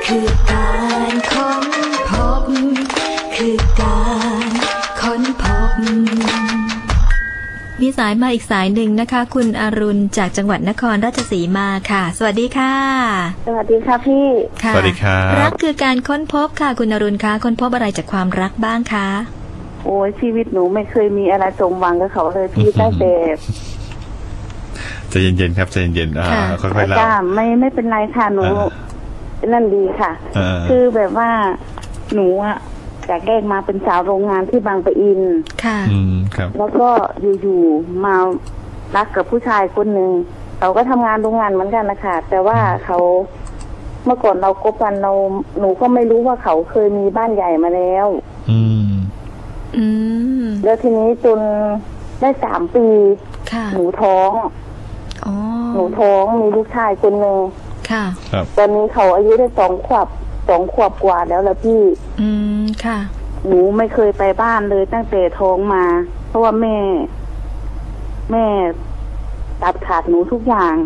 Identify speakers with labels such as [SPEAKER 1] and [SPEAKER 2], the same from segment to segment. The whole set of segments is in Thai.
[SPEAKER 1] คือการค้นพบคือการค้นพบมีสายมาอีกสายหนึ่งนะคะคุณอรุณจากจังหวัดนครราชสีมาค่ะสวัสดีค่ะ
[SPEAKER 2] สวัสดีค่ะพี่
[SPEAKER 3] สวัสดีครับ
[SPEAKER 1] รักคือการค้นพบค่ะคุณอรุณคะค้นพบอะไรจากความรักบ้างคะ
[SPEAKER 2] โอ้ยชีวิตหนูไม่เคยมีอะไรสมหวังกับเขาเลยพี่ตั้งแต่
[SPEAKER 3] ใจเย็นๆครับใจเย็นๆค่อยๆเล่า
[SPEAKER 2] ไม่เป็นไรค่ะหนูนั่นดีค่ะคือแบบว่าหนูอะจากแรกมาเป็นสาวโรงงานที่บางปะอิน
[SPEAKER 1] ค่ะ
[SPEAKER 3] ครับ
[SPEAKER 2] แล้วก็อยู่ๆมารักกับผู้ชายคนหนึ่งเขาก็ทำงานโรงงานเหมือนกันนะคะแต่ว่าเขาเมื่อก่อนเราคบกันหนูก็ไม่รู้ว่าเขาเคยมีบ้านใหญ่มาแล้วแล้วทีนี้จนได้3 ปีหนูท้องหนูท้องมีลูกชายคนหนึ่ง
[SPEAKER 1] ค่ะ
[SPEAKER 2] ตอนนี้เขาอายุได้2 ขวบกว่าแล้วละพี่
[SPEAKER 1] ค่ะ
[SPEAKER 2] หนูไม่เคยไปบ้านเลยตั้งแต่ท้องมาเพราะว่าแม่ตัดขาดหนูทุกอย่าง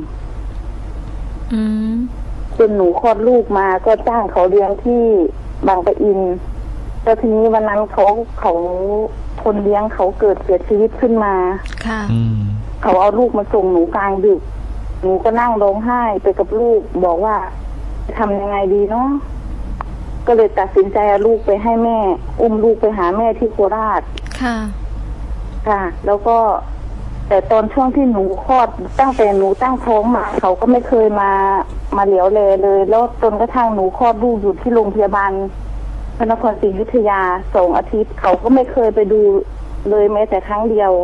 [SPEAKER 2] จนหนูคลอดลูกมาก็จ้างเขาเลี้ยงที่บางปะอินแล้วทีนี้วันนั้นเขาคนเลี้ยงเขาเกิดเสียชีวิตขึ้นมา
[SPEAKER 1] ค่ะ
[SPEAKER 2] เขาเอาลูกมาส่งหนูกลางดึกหนูก็นั่งร้องไห้ไปกับลูกบอกว่าจะทำยังไงดีเนาะก็เลยตัดสินใจเอาลูกไปให้แม่อุ้มลูกไปหาแม่ที่โคราชค่ะแล้วก็แต่ตอนช่วงที่หนูคลอดตั้งแต่หนูตั้งท้องมาเขาก็ไม่เคยมาเหลียวแลเลยแล้วจนกระทั่งหนูคลอดลูกอยู่ที่โรงพยาบาลพระนครศรีอยุธยา2 อาทิตย์เขาก็ไม่เคยไปดูเลยแม้แต่ครั้งเดียว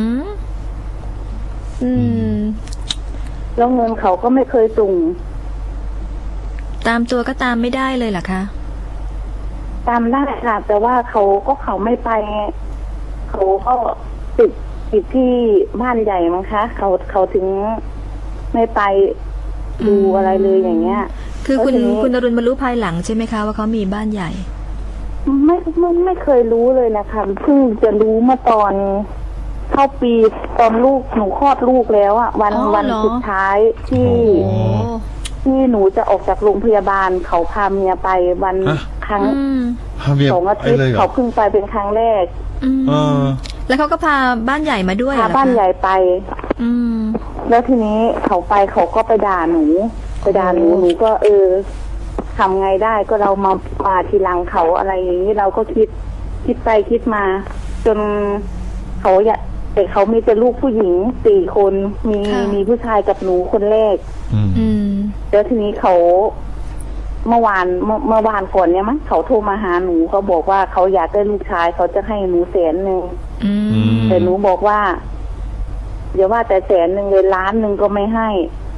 [SPEAKER 2] แล้วเงินเขาก็ไม่เคยส่ง
[SPEAKER 1] ตามตัวก็ตามไม่ได้เลยเหรอคะ
[SPEAKER 2] ตามได้ค่ะแต่ว่าเขาไม่ไปเขาก็ติดที่บ้านใหญ่มั้งคะเขาถึงไม่ไปดูอะไรเลยอย่างเงี้ย
[SPEAKER 1] คือคุณอรุณมารู้ภายหลังใช่ไหมคะว่าเขามีบ้านใหญ่
[SPEAKER 2] ไม่เคยรู้เลยนะคะเพิ่งจะรู้เมื่อตอนเข้าปีตอนลูกหนูคลอดลูกแล้วอ่ะวันสุดท้ายที่หนูจะออกจากโรงพยาบาลเขาพาเมียไปวันครั้ง2 อาทิตย์เขาเพิ่งไปเป็นครั้งแรก
[SPEAKER 1] แล้วเขาก็พาบ้านใหญ่มาด้วย
[SPEAKER 2] พาบ้านใหญ่ไปแล้วทีนี้เขาไปเขาก็ไปด่าหนูหนูก็ทำไงได้ก็เรามาทีหลังเขาอะไรอย่างนี้เราก็คิดไปคิดมาจนเขาแต่เขามีแต่ลูกผู้หญิง4 คนมีผู้ชายกับหนูคนแรกแล้วทีนี้เขาเมื่อวานก่อนเนี่ยมั้งเขาโทรมาหาหนูเขาบอกว่าเขาอยากได้ลูกชายเขาจะให้หนู100,000แต่หนูบอกว่าอย่าว่าแต่100,000เลย1,000,000ก็ไม่ให้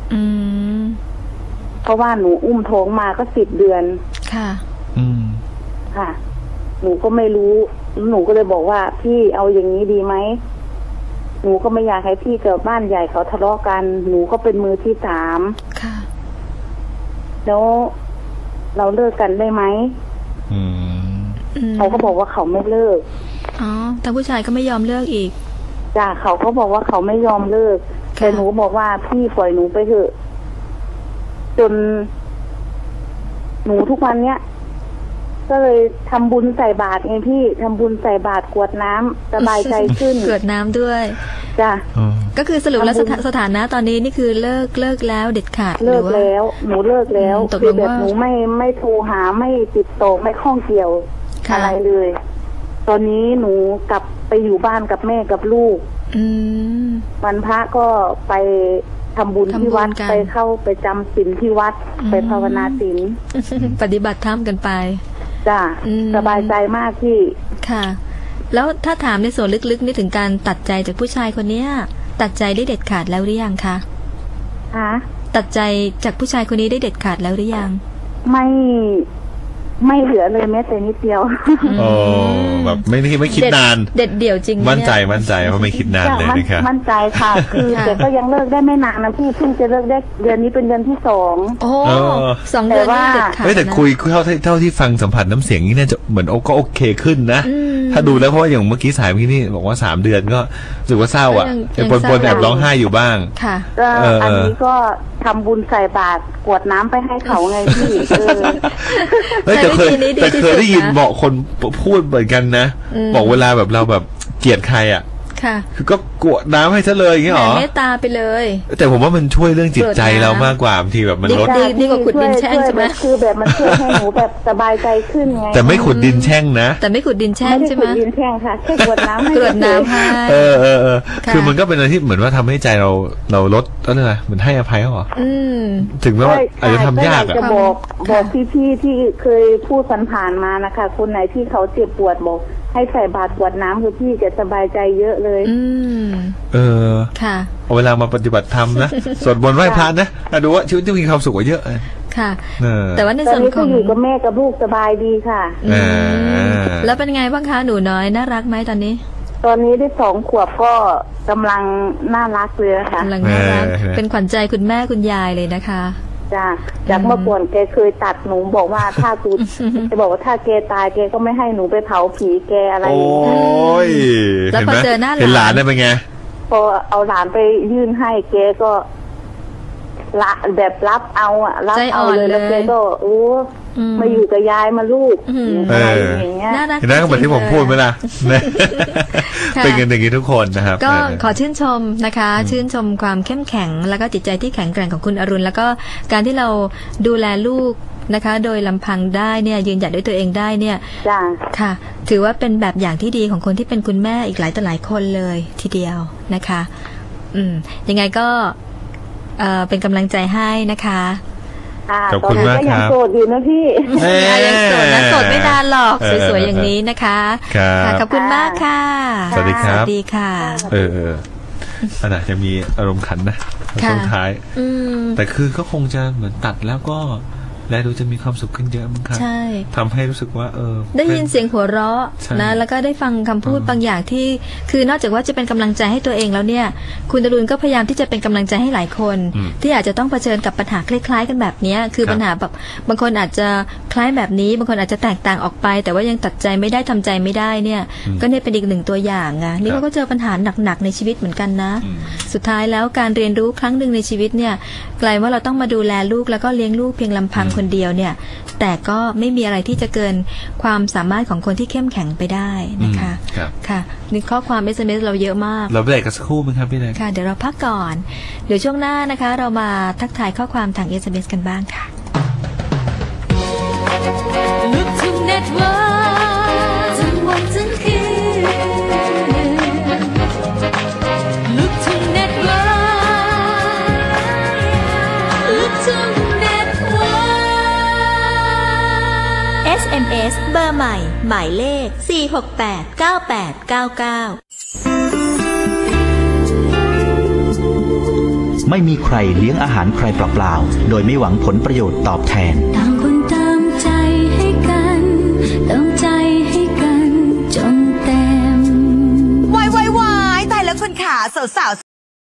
[SPEAKER 2] เพราะว่าหนูอุ้มท้องมาก็10 เดือน
[SPEAKER 1] ค่ะ
[SPEAKER 2] ค่ะหนูก็ไม่รู้หนูก็เลยบอกว่าพี่เอาอย่างนี้ดีไหมหนูก็ไม่อยากให้พี่กับบ้านใหญ่เขาทะเลาะกันหนูก็เป็นมือที่3
[SPEAKER 1] ค่ะ
[SPEAKER 2] แล้วเราเลิกกันได้ไหมเขาก็บอกว่าเขาไม่เลิก
[SPEAKER 1] แต่ผู้ชายก็ไม่ยอมเลิกอีก
[SPEAKER 2] จ้ะเขาก็บอกว่าเขาไม่ยอมเลิกแต่หนูบอกว่าพี่ปล่อยหนูไปเถอะจนหนูทุกวันเนี้ยก็เลยทำบุญใส่บาตรไงพี่ทำบุญใส่บาตรกรวดน้ำสบายใจขึ้น
[SPEAKER 1] กรวดน้ำด้วย
[SPEAKER 2] จ้ะ
[SPEAKER 1] ก็คือสรุปแล้วสถานะตอนนี้นี่คือเลิกแล้วเด็ดขาด
[SPEAKER 2] เลิกแล้วหนูเลิกแล้วคือแบบหนูไม่โทรหาไม่ติดต่อไม่ข้องเกี่ยวอะไรเลยตอนนี้หนูกลับไปอยู่บ้านกับแม่กับลูกวันพระก็ไปทำบุญที่วัดไปจำศีลที่วัดไปภาวนาศีล
[SPEAKER 1] ปฏิบัติธรรมกันไป
[SPEAKER 2] จ้ะสบายใจมากพี่
[SPEAKER 1] ค่ะแล้วถ้าถามในส่วนลึกๆนี่ถึงการตัดใจจากผู้ชายคนนี้ตัดใจได้เด็ดขาดแล้วหรือยังคะตัดใจจากผู้ชายคนนี้ได้เด็ดขาดแล้วหรือยัง
[SPEAKER 2] ไม่เหลือเลยแม้แต่นิดเดียว
[SPEAKER 3] แบบไม่คิดนาน
[SPEAKER 1] เด็ดเดี่ยวจริง
[SPEAKER 3] มั่นใจว่าไม่คิดนานเลยนะครับ
[SPEAKER 2] มั่นใจค่ะคือแต่ก็ยังเลิกได้ไม่นานนะพี่เพิ่งจะเลิกได้เดือนนี้เป็นเดือนที่2
[SPEAKER 1] 2 เดือนนี่เด็ดขาด
[SPEAKER 3] แต่คุยเท่าที่ฟังสัมผัสน้ำเสียงนี่น่าจะเหมือนก็โอเคขึ้นนะถ้าดูแล้วเพราะว่าอย่างเมื่อกี้สายเมื่อกี้นี่บอกว่า3 เดือนก็รู้สึกว่าเศร้าอ่ะปนแอบร้องไห้อยู่บ้าง
[SPEAKER 1] ค่ะ
[SPEAKER 2] ก็อันนี้ก็ทำบุญใส่บาตรกรวดน้ำไปให้เขาไงพี่
[SPEAKER 3] แต่เคยได้ยินบอกคนพูดเหมือนกันนะบอกเวลาแบบเราแบบเกลียดใครอ่ะคือก็กรวดน้ำให้ซะเลยอย่างเงี้ยหรอ
[SPEAKER 1] เมตตาไปเลย
[SPEAKER 3] แต่ผมว่ามันช่วยเรื่องจิตใจเรามากกว่าบางทีแบบมันลด
[SPEAKER 1] ดีกว่าขุดดินแช่งใช่ไหม
[SPEAKER 2] คือแบบมันช่วยให้หนูแบบสบายใจขึ้นไง
[SPEAKER 3] แต่ไม่ขุดดินแช่งนะ
[SPEAKER 1] แต่ไม่ขุดดินแช่งใช่ไหม
[SPEAKER 2] ไม่ขุดดินแช่งค่ะแค่กรวดน้ำให้
[SPEAKER 3] คือมันก็เป็นอะไรที่เหมือนว่าทำให้ใจเราลดอะไรนะเหมือนให้อภัยเขาหรอถึงแม้ว่าอาจจะทำยากอะ
[SPEAKER 2] จะบอกพี่ๆที่เคยพูดผ่านมานะคะคนไหนที่เขาเจ็บปวดบอกให้ใส่บาตรกรวดน้ำคือพี่จะสบายใจเยอะเลย
[SPEAKER 1] ค่ะ
[SPEAKER 3] เอาเวลามาปฏิบัติธรรมนะสวดมนต์ไหว้พระนะดูว่าชีวิตจะมีความสุขกว่าเยอะ
[SPEAKER 1] ค่ะแต่ว่าในส่วนของ
[SPEAKER 2] อยู่กับแม่กับลูกสบายดีค่ะ
[SPEAKER 1] แล้วเป็นไงบ้างคะหนูน้อยน่ารักไหมตอนนี้
[SPEAKER 2] ได้2 ขวบก็กำลังน่ารักเลยค่ะ
[SPEAKER 1] กำลังน่ารักเป็นขวัญใจคุณแม่คุณยายเลยนะคะ
[SPEAKER 2] จ้ะจากเมื่อก่อนแกเคยตัดหนูบอกว่าถ้ากูจะบอกว่าถ้าแกตายแกก็ไม่ให้หนูไปเผาผีแกอะไรอย่างเงี้ย
[SPEAKER 1] แล้วพอเจอหน้า
[SPEAKER 3] หลานได้เป็นไง
[SPEAKER 2] พอเอาหลานไปยื่นให้แกก็ละแบบรับเอารับเอาเลยแล้วแกก็มาอยู่กับยายมาลูกอะไรอย่างเงี้ย
[SPEAKER 3] นั่นก็เหมือนที่ผมพูดไปละเป็นกันอย่างนี้ทุกคนนะครับ
[SPEAKER 1] ก็ขอชื่นชมนะคะชื่นชมความเข้มแข็งแล้วก็จิตใจที่แข็งแกร่งของคุณอรุณแล้วก็การที่เราดูแลลูกนะคะโดยลำพังได้เนี่ยยืนหยัดด้วยตัวเองได้เนี่ยค่ะถือว่าเป็นแบบอย่างที่ดีของคนที่เป็นคุณแม่อีกหลายต่อหลายคนเลยทีเดียวนะคะยังไงก็เป็นกำลังใจให้นะคะ
[SPEAKER 3] ขอบคุณมากครับ
[SPEAKER 2] ยังโสดอยู่นะพี่
[SPEAKER 1] ยังโสดนะโสดไม่นานหรอกสวยๆอย่างนี้นะคะขอบคุณมากค่ะ
[SPEAKER 3] สวัสดีครับ
[SPEAKER 1] สวัสดีค่ะ
[SPEAKER 3] ขนาดจะมีอารมณ์ขันนะช่วงท้ายแต่คือก็คงจะเหมือนตัดแล้วก็และดูจะมีความสุขขึ้นเยอะมั้งครับทำให้รู้สึกว่า
[SPEAKER 1] ได้ยินเสียงหัวเราะนะแล้วก็ได้ฟังคำพูดบางอย่างที่คือนอกจากว่าจะเป็นกำลังใจให้ตัวเองแล้วเนี่ยคุณอรุณก็พยายามที่จะเป็นกำลังใจให้หลายคนที่อาจจะต้องเผชิญกับปัญหาคล้ายๆกันแบบนี้คือปัญหาแบบบางคนอาจจะคล้ายแบบนี้บางคนอาจจะแตกต่างออกไปแต่ว่ายังตัดใจไม่ได้ทำใจไม่ได้เนี่ยก็เนี่ยเป็นอีกหนึ่งตัวอย่างไงนี่เขาก็เจอปัญหาหนักๆในชีวิตเหมือนกันนะสุดท้ายแล้วการเรียนรู้ครั้งหนึ่งในชีวิตเนี่ยกลายว่าเราต้องมาดูแลลูกแล้วก็เลี้ยงลูกเพียงลำพังคนเดียวเนี่ยแต่ก็ไม่มีอะไรที่จะเกินความสามารถของคนที่เข้มแข็งไปได้นะคะค่ะนี่ข้อความ SMS เราเยอะมาก
[SPEAKER 3] เราเบรกกันสักครู่มั้ยครับพี่แดง
[SPEAKER 1] ค่ะเดี๋ยวเราพักก่อนเดี๋ยวช่วงหน้านะคะเรามาทักทายข้อความทาง SMS กันบ้างค่ะ Look to Network ทั้งวันทั้งคืน Look to Network Look to SMS เบอร์ใหม่หมายเลข4689899
[SPEAKER 4] ไม่มีใครเลี้ยงอาหารใครเปล่าๆโดยไม่หวังผลประโยชน์ตอบแทนต่างคนตามใจให้กันเติมใจให้กันจนเต็มวายตายแล้วคุณขาสาว